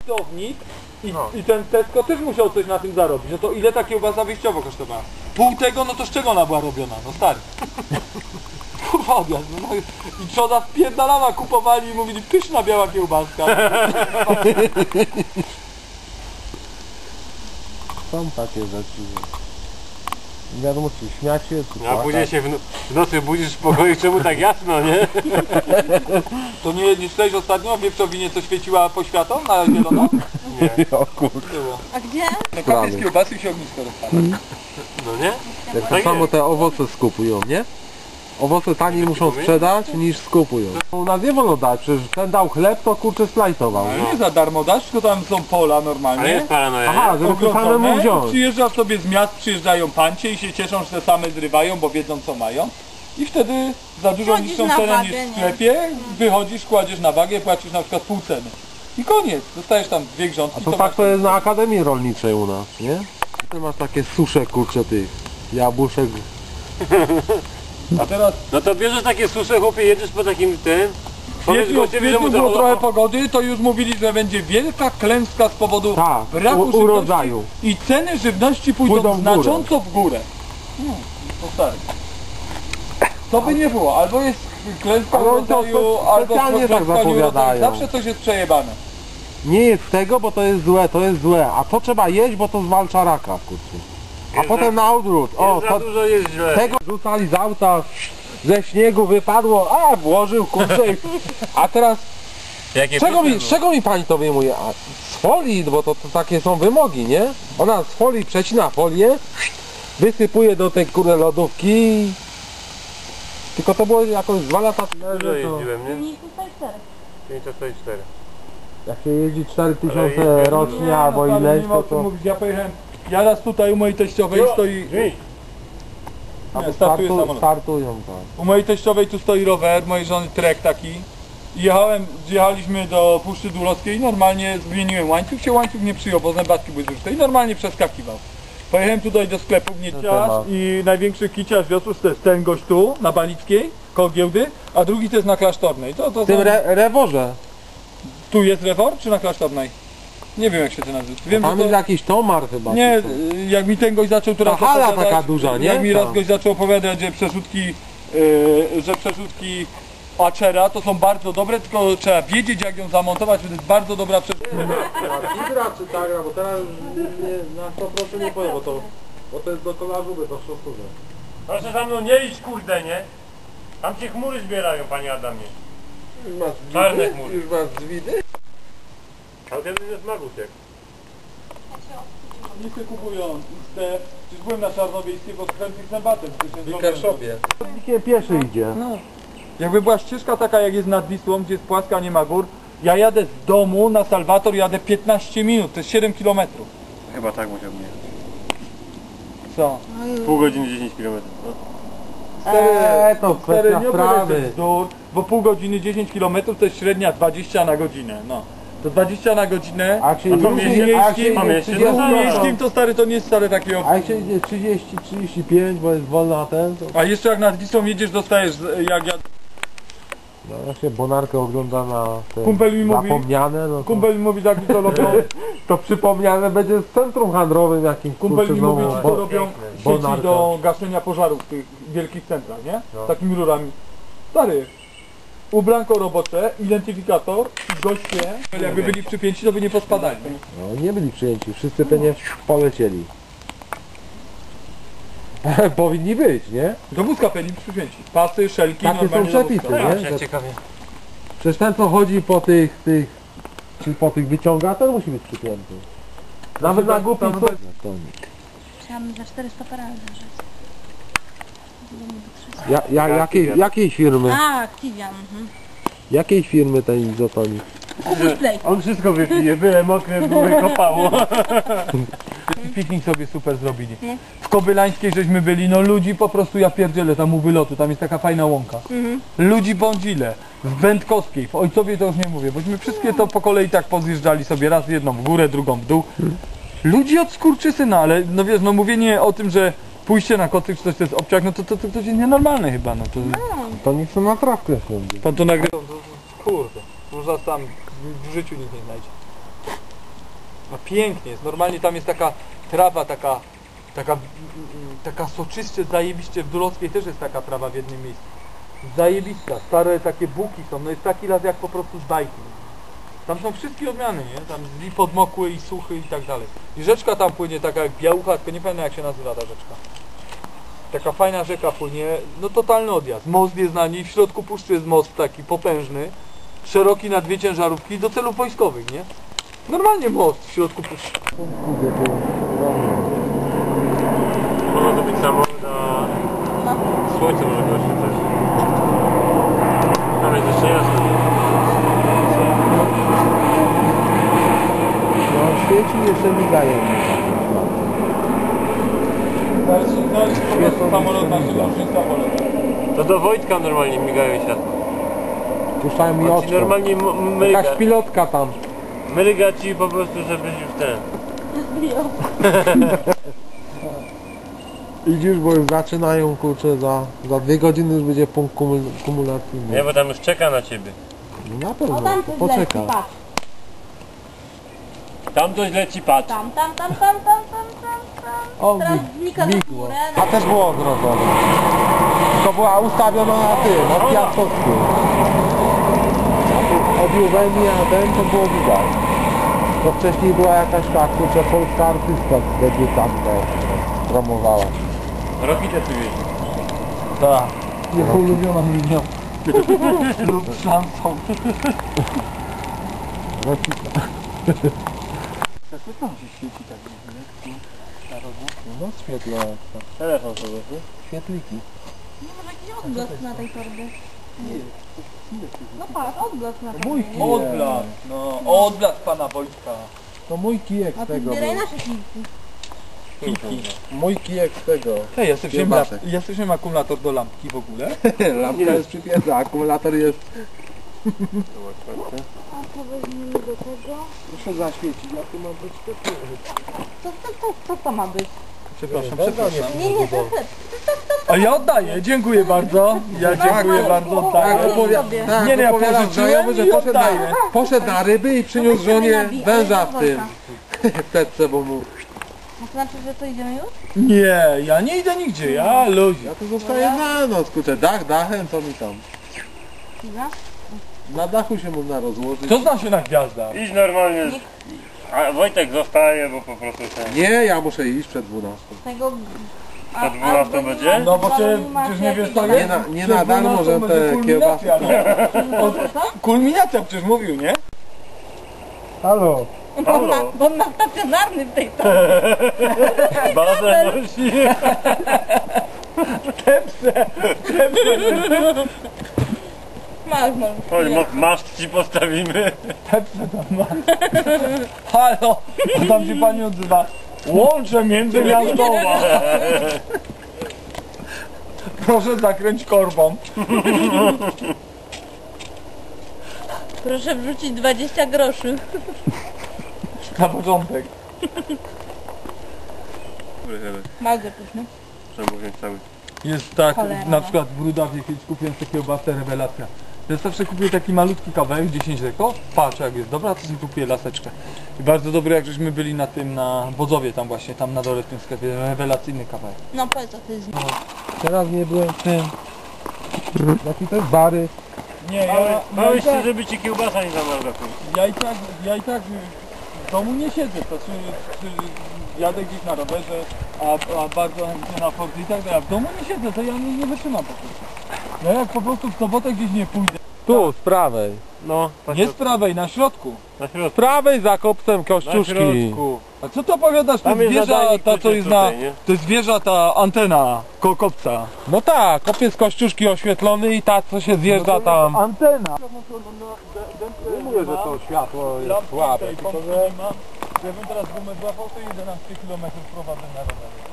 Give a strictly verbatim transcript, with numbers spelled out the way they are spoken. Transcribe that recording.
hurtownik i, no. i ten Tesco też musiał coś na tym zarobić. No to ile ta kiełbasa wyjściowo kosztowała? Pół tego, no to z czego ona była robiona? No stary. Kurwa odjazd, no, no i trzoda spierdalała, kupowali i mówili pyszna biała kiełbaska. Są takie rzeczy. Nie wiadomo czy śmiać się, czy A później się w, no w nocy budzisz w pokoju, czemu tak jasno, nie? To nie, nie czytałeś ostatnio w Wieprzowinie, co świeciła poświatą na zielono? Nie. O kurde. A gdzie? No kapie z kiełbasy i się ognisko rozpala. No nie? Jak Tak to samo jest. te owoce skupują, nie? Owoce taniej muszą sprzedać niż skupują. U nas nie wolno dać, przecież ten dał chleb, to kurczę slajtował. Ale nie za darmo dasz, tylko tam są pola normalnie. Ale jest paranoja, Aha, nie? żeby to samemu Ogrodzone. wziąć. Przyjeżdżasz sobie z miast, przyjeżdżają pancie i się cieszą, że te same zrywają, bo wiedzą co mają. I wtedy za dużo Wchodzisz niższą na cenę wagę, niż w nie? sklepie, wychodzisz, kładziesz na wagę, płacisz na przykład pół ceny. I koniec, dostajesz tam dwie grządki. A to tak to jest na Akademii Rolniczej u nas, nie? Ty masz takie susze kurcze tych jabłuszek. A teraz No to bierzesz takie susze, chłopie, jedziesz po takim tym. Powiedz jeśli od gościowi, że mu kwietniu było to... trochę pogody, to już mówili, że będzie wielka klęska z powodu Tak, braku u- żywności urodzaju. i ceny żywności pójdą, Pójdą w górę. znacząco w górę. Hmm, to stary. To by nie było, albo jest klęska Ale oni to urodzaju, spe- albo specjalnie tak klęska nieurodzaju. zapowiadają. Zawsze coś jest przejebane. Nie jest tego, bo to jest złe, to jest złe. A to trzeba jeść, bo to zwalcza raka, kurczę. A Jest potem na odwrót. O, Jest za to, dużo, jest źle. tego rzucali z auta, ze śniegu wypadło, a włożył, kurczę. A teraz, Jakie z czego mi, pyszne, z czego mi pani to wyjmuje? A z folii, bo to, to takie są wymogi, nie? Ona z folii przecina folię, wysypuje do tej kurde lodówki. Tylko to było jakoś dwa lata temu. Dużo jeździłem, nie? Nie, tutaj cztery. pięćset czterdzieści cztery. Jak się jeździ cztery tysiące Ale jeździ- rocznie albo no, ileś, nie ma to o czym to... mówić. Ja pojechałem, ja raz tutaj u mojej teściowej stoi... Drzwi. Albo startuje startu, samolot. startują, tak. U mojej teściowej tu stoi rower, mojej żony trek taki. I jechałem, jechaliśmy do Puszczy Dulowskiej i normalnie zmieniłem łańcuch, się łańcuch nie przyjął, bo zębatki były zużyte i normalnie przeskakiwał. Pojechałem tutaj do sklepu Gnieciarz i największy kiciarz wiosły to jest ten gość tu, na Balickiej, koło giełdy, a drugi to jest na Klasztornej. To, to W tym są... re reworze. Tu jest rewor, czy na Klasztornej? Nie wiem jak się to nazywa. Wiem, Tam że jest to... jakiś tomar chyba. Nie, czy co. jak mi ten gość zaczął teraz Ta hala opowiadać, taka duża, nie? jak mi raz Tam. gość zaczął opowiadać, że przerzutki, yy, że przerzutki Acera to są bardzo dobre, tylko trzeba wiedzieć jak ją zamontować, to jest bardzo dobra przerzutka. Ibra czy Tagra, bo teraz nie, na sto procent nie powiem, bo to, bo to jest do kolarzuby, to szosturze. Proszę za mną nie iść, kurde, nie? Tam się chmury zbierają, panie Adamie. Już masz Czarne zwidy? chmury. Już masz zwidy? Ale kiedy jest Magusiek. Nie się kupują te, przecież byłem na Czarnowiejskiej, bo chętnych zębatem. Nikt pieszy idzie. No. Jakby była ścieżka taka jak jest nad Wisłą, gdzie jest płaska, nie ma gór, ja jadę z domu na Salwator, jadę piętnaście minut, to jest siedem kilometrów. Chyba tak musiał mnie. Co? Pół godziny, dziesięć kilometrów. No. Eee, to Stary, kwestia nie opowiadaj sprawy. bzdur, bo pół godziny dziesięć kilometrów to jest średnia dwadzieścia na godzinę, no. To dwadzieścia na godzinę, A jak się A to idzie- mieście- a jak się miejskim, idzie mieście- trzydzieści, no, w no, miejskim to stary to nie jest stary takie a jak się idzie trzydzieści, trzydzieści pięć, bo jest wolna ten, to... A jeszcze jak nad Wisłą jedziesz, dostajesz, jak ja... No, jak się Bonarkę ogląda na te Kumpel mi mówi- zapomniane, no to, Kumpel mi mówi, tak mi to robią, to przypomniane będzie z centrum handlowym jakimś, kumpel kurczę, mi mówi, znowu, że to bo- robią sieci Bonarka. do gaszenia pożarów w tych wielkich centrach, nie? No. Takimi rurami. Stary, ubranko robocze, identyfikator i goście, jakby byli przypięci, to by nie pospadali. No, nie byli przyjęci, wszyscy pewnie polecieli. Powinni być, nie? Do wózka byli przypięci. Pasy, szelki, Takie są normalnie do przepisy, wózka. nie? Że- ciekawie. Przecież ten co chodzi po tych, tych, czy po tych wyciąga, ten musi być przypięty. Nawet na głupi tam- co... Chciałam za czterysta parę rzec. Ja, ja, jakiej, jakiej firmy? A, Kiwian. Mhm. Jakiej firmy ten izotonik? Kupuj play. On wszystko wypije, byle mokre, były kopało. Piknik sobie super zrobili. Nie? W Kobylańskiej żeśmy byli, no ludzi po prostu, ja pierdzielę tam u wylotu, tam jest taka fajna łąka. Mhm. Ludzi bądzile. W Będkowskiej, w Ojcowie to już nie mówię, bośmy wszystkie to po kolei tak pozjeżdżali sobie, raz jedną w górę, drugą w dół. Ludzi od skurczysyna, ale no wiesz, no mówienie o tym, że pójście na kocyk czy coś to jest obciach, no to to, to, to jest nienormalne chyba, no to... To niech są na trawkę wsiądzie. Pan to nagrywa. Kurde, można tam w życiu nikt nie znajdzie. No pięknie jest, normalnie tam jest taka trawa, taka, taka, mm, taka soczyście, zajebiście, w Dulowskiej też jest taka trawa w jednym miejscu. Zajebista, stare takie buki są, no jest taki las jak po prostu z bajki. Tam są wszystkie odmiany, nie? Tam i podmokły, i suchy i tak dalej. I rzeczka tam płynie taka jak Białucha, tylko nie pamiętam jak się nazywa ta rzeczka. Taka fajna rzeka płynie, no totalny odjazd. Most jest na niej, w środku puszczy jest most taki potężny, szeroki na dwie ciężarówki do celów wojskowych, nie? Normalnie most w środku puszczy. Może to być samo na słońce może go oświetlać. Tam jest jeszcze jasno. No świeci jeszcze migają. No jest po prostu samolot naszego samolot. To do Wojtka normalnie migają światła. Puszczają mi On oczko. ci normalnie m- mryga, Jakaś pilotka tam. mryga ci po prostu, żebyś już ten. Idziesz, bo już zaczynają, kurczę, za, za dwie godziny już będzie punkt kumul kumulacyjny. Nie, bo tam już czeka na ciebie. No na O, pewno, tam to coś poczeka. leci, patrz. Tam coś leci, patrz. Tam, tam, tam, tam, tam, tam, tam, tam. O, Teraz mi- znika za migło. górę. A też było ogrodzone. To była ustawiona na tym, na Piastowsku. Od Juweni, a ten to było widać. To wcześniej była jakaś ta, kurczę, polska artystka debiutantka promowała. Rokitę tu jeździ. Tak. Jego ulubiona linia. Lub szansą. Rokita. Co tam się świeci tak No świetle, Telefon sobie, nie? świetliki. Nie może jakiś odblask na tej torbie. No patrz, odblask na Mój torbie. kijek. Odblask, no odblask pana Wojtka. To mój kijek A z ty tego zbieraj był. nasze kilki. Kiki. Mój kijek z tego. Hej, jesteśmy, Kiełbasek. jesteśmy akumulator do lampki w ogóle. Lampka jest przypięta, akumulator jest... A co weźmiemy do tego? Proszę zaświecić, ja tu mam być świetny. Co, co, co, co to ma być? Przepraszam, Dobra, przepraszam. Nie, nie, to jest... A ja oddaję, dziękuję bardzo. Ja dziękuję bardzo, Tak, oddaję. opowiada, sobie. tak, Nie, nie, ja opowiadam pożyczyłem znajomy, że i poszedł na, oddaję. poszedł na ryby i przyniósł żonie węża w tym. W teczce, bo mu... A to znaczy, że to idziemy już? Nie, ja nie idę nigdzie, ja ludzi. Ja tu zostaję na noc, kurczę, dach dachem, co mi tam. Chwila. Na dachu się można rozłożyć. To zna się na gwiazdach. Idź normalnie. A Wojtek zostaje, bo po prostu ten. Nie, ja muszę iść przed dwunastą. Tego... Przed dwunastą będzie? No bo ty przecież nie wiesz co Nie, jest. na, nie Przed na darmo, dwunastą że będzie te kiełbasy... kulminacja, nie? Od- Kulminacja przecież mówił, nie? Halo? Bo na, bo na stacjonarny w tej torbie. Bazę nosi. Masz, masz. Chodź, ma- maszt ci postawimy. Halo, a tam się pani odzywa. Łącze międzymiastowa. Proszę zakręć korbą. Proszę wrzucić dwadzieścia groszy. Na początek. Bardzo pyszny. Trzeba wziąć cały. Jest tak, Cholera, na no. przykład w Rudawie kiedyś kupiłem sobie kiełbasę, rewelacja. Ja zawsze kupuję taki malutki kawałek, dziesięć deko, patrzę jak jest dobra, to sobie kupuję laseczkę. I bardzo dobry, jak żeśmy byli na tym, na Wodzowie tam właśnie, tam na dole w tym sklepie, rewelacyjny kawałek. No powiedz, co to jest. Teraz nie byłem w tym. Jaki to jest bary? Nie, ja, Bałeś No się, żeby ci kiełbasa nie zamarła. ja i tak, ja i tak w domu nie siedzę, to czy, czy jadę gdzieś na rowerze, a, a bardzo chętnie na Fordy i tak dalej, a w domu nie siedzę, to ja nie, nie wytrzymam po prostu. Ja jak po prostu w sobotę gdzieś nie pójdę, Tu, z prawej. No, nie z prawej, na środku. na Z środku. prawej za kopcem Na kościuszki. środku. A co to opowiadasz, to Tam jest jest wieża, nadajnik, ta co kurczę, jest na, tutaj, nie? to jest wieża, ta antena koło kopca. No tak, kopiec kościuszki oświetlony i ta co się zjeżdża tam. Antena. Nie mówię, że to światło jest Lampki słabe, tej tylko pompki że... nie ma. Gdybym teraz gumę złapał, to jedenaście kilometrów prowadzę na rowerze.